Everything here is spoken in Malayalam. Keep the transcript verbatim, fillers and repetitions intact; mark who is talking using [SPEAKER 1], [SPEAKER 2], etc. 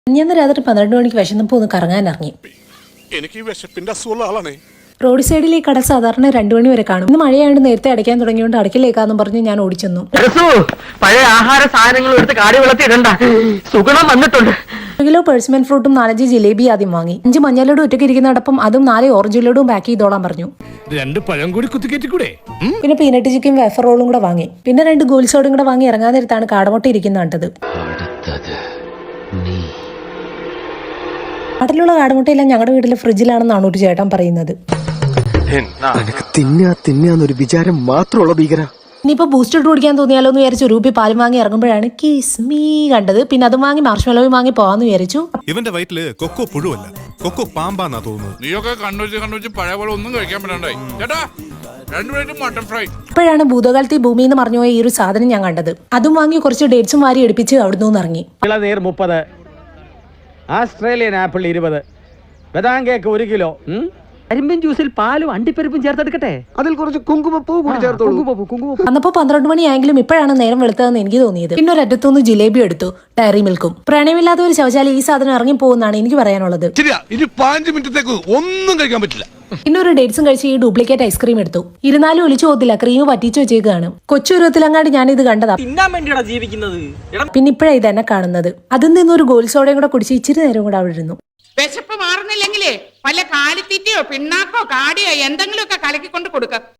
[SPEAKER 1] ഞാൻ രാത്രി പന്ത്രണ്ട് മണിക്ക് വിശന്നപ്പോൾ ഒന്ന് കറങ്ങാൻ ഇറങ്ങി.
[SPEAKER 2] എനിക്ക് ഈ വിശപ്പിന്റെ അസുഖമുള്ള ആളാണേ.
[SPEAKER 1] റോഡ് സൈഡിൽ ഈ കട സാധാരണ രണ്ടു മണി വരെ കാണും. ഇന്ന് മഴയായിട്ട് നേരത്തെ അടയ്ക്കാൻ തുടങ്ങിയോണ്ട് അടയ്ക്കലേക്കാന്നും പറഞ്ഞ് ഞാൻ ഓടിച്ചെന്നു.
[SPEAKER 3] പഴയ ആഹാര സാധനങ്ങൾ എടുത്ത് കാടി വെള്ളത്തിൽ ഇടണ്ട, സുഗുണം വന്നിട്ടുണ്ട്.
[SPEAKER 1] ഒരു കിലോ പേഴ്സ്മെന്റ് ഫ്രൂട്ടും നാലഞ്ച് ജിലേബി ആദ്യം വാങ്ങി. അഞ്ച് മഞ്ഞളോടും ഒറ്റയ്ക്ക് ഇരിക്കുന്നതോടൊപ്പം അതും നാല് ഓറഞ്ച് ലഡും പാക്ക് ചെയ്തോളാൻ പറഞ്ഞു.
[SPEAKER 2] രണ്ട് പഴം കൂടി കുത്തിക്കേറ്റിക്കൂടെ?
[SPEAKER 1] പിന്നെ പീനട്ട് ചിക്കൻ വേഫർ റോളും കൂടെ വാങ്ങി. പിന്നെ രണ്ട് ഗോൾ സോഡും കൂടെ വാങ്ങി ഇറങ്ങാൻ നേരത്താണ് കാടമുട്ട ഇരിക്കുന്ന കണ്ടത്. നാട്ടിലുള്ള കാടമുട്ടയെല്ലാം ഞങ്ങളുടെ വീട്ടിലെ ഫ്രിഡ്ജിലാണെന്നാണ് ഒരു ചേട്ടൻ പറയുന്നത്.
[SPEAKER 4] തിന്നാ തിന്നാന്നൊരു വിചാരം മാത്രമുള്ള ഭീകര.
[SPEAKER 1] ഇനിയിപ്പോ ബൂസ്റ്റർ കുടിക്കാൻ തോന്നിയാലോ എന്ന് വിചാരിച്ചു രൂപി പാലും വാങ്ങി ഇറങ്ങുമ്പോഴാണ് കിസ്മീ കണ്ടത്. പിന്നെ അതും വാങ്ങി മാർഷ്മെലോയും വാങ്ങി പോവാന്ന് വിചാരിച്ചു.
[SPEAKER 2] ഇവന്റെ വയറ്റില് കൊക്കോ പുഴുവല്ല, കൊക്കോ പാമ്പാന്നാ തോന്നുന്നത്.
[SPEAKER 5] നീയൊക്കെ കണ്ണൂച്ച് കണ്ണൂച്ച് പഴയ പോലെ ഒന്നും കഴിക്കാൻ പറ്റണ്ടായി ചേട്ടാ. രണ്ടുപേരും മട്ടൺ ഫ്രൈ.
[SPEAKER 1] ഇപ്പോഴാണ് ഭൂതകാലത്തെ ഭൂമിയിൽ നിന്ന് മറിഞ്ഞുപോയ ഈ ഒരു സാധനം ഞാൻ കണ്ടത്. അതും വാങ്ങി കുറച്ച് ഡേറ്റ്സും വാരി എടുപ്പിച്ച് അവിടുന്ന് ഇറങ്ങി.
[SPEAKER 6] ഇളനീർ മുപ്പത്, ആസ്ട്രേലിയൻ ആപ്പിൾ ഇരുപത്, ബദാം കേക്ക് ഒരു കിലോ, കരിമ്പിൻ ജ്യൂസിൽ പാലും അണ്ടിപ്പരിപ്പും ചേർത്തെടുക്കട്ടെ,
[SPEAKER 4] അതിൽ കുറച്ച് കുങ്കുമപ്പൂ കൂടി ചേർത്തോളൂ.
[SPEAKER 1] അന്നപ്പോ പന്ത്രണ്ട് മണിയായെങ്കിലും ഇപ്പോഴാണ് നേരം വെളുത്തതെന്ന് എനിക്ക് തോന്നിയത്. പിന്നെ ഒരറ്റത്തുനിന്ന് ജിലേബി എടുത്തു, ഡയറി മിൽക്കും. പ്രണയമില്ലാത്ത ഒരു ശൗചാലയം ഈ സാധനം ഇറങ്ങി പോകുന്നതാണ് എനിക്ക് പറയാനുള്ളത്.
[SPEAKER 2] ഇനി പതിനഞ്ച് മിനിറ്റത്തേക്ക് ഒന്നും കഴിക്കാൻ പറ്റില്ല.
[SPEAKER 1] പിന്നെ ഒരു ഡേറ്റ്സും കഴിച്ച് ഈ ഡ്യൂപ്ലിക്കേറ്റ് ഐസ്ക്രീം എടുത്തു. ഇരുന്നാലും ഒലിച്ചു പോകത്തില്ല, ക്രീം പറ്റിച്ചു വെച്ചേക്കാണ്. കൊച്ചുരുവത്തിലങ്ങാണ്ട് ഞാൻ ഇത് കണ്ടതാ. പിന്നെ ഇപ്പോഴാണ് ഇത് എന്നെ കാണുന്നത്. അതിൽ നിന്നൊരു ഗോൾ സോഡയും കൂടെ കുടിച്ച് ഇച്ചിരി നേരം കൂടെ അവിടെ ഇരുന്നു.
[SPEAKER 7] വിശപ്പ് മാറുന്നില്ലെങ്കിലേ വല്ല കാലിത്തീറ്റയോ പിണ്ണാക്കോ കാടിയോ എന്തെങ്കിലുമൊക്കെ കലക്കിക്കൊണ്ട് കൊടുക്ക.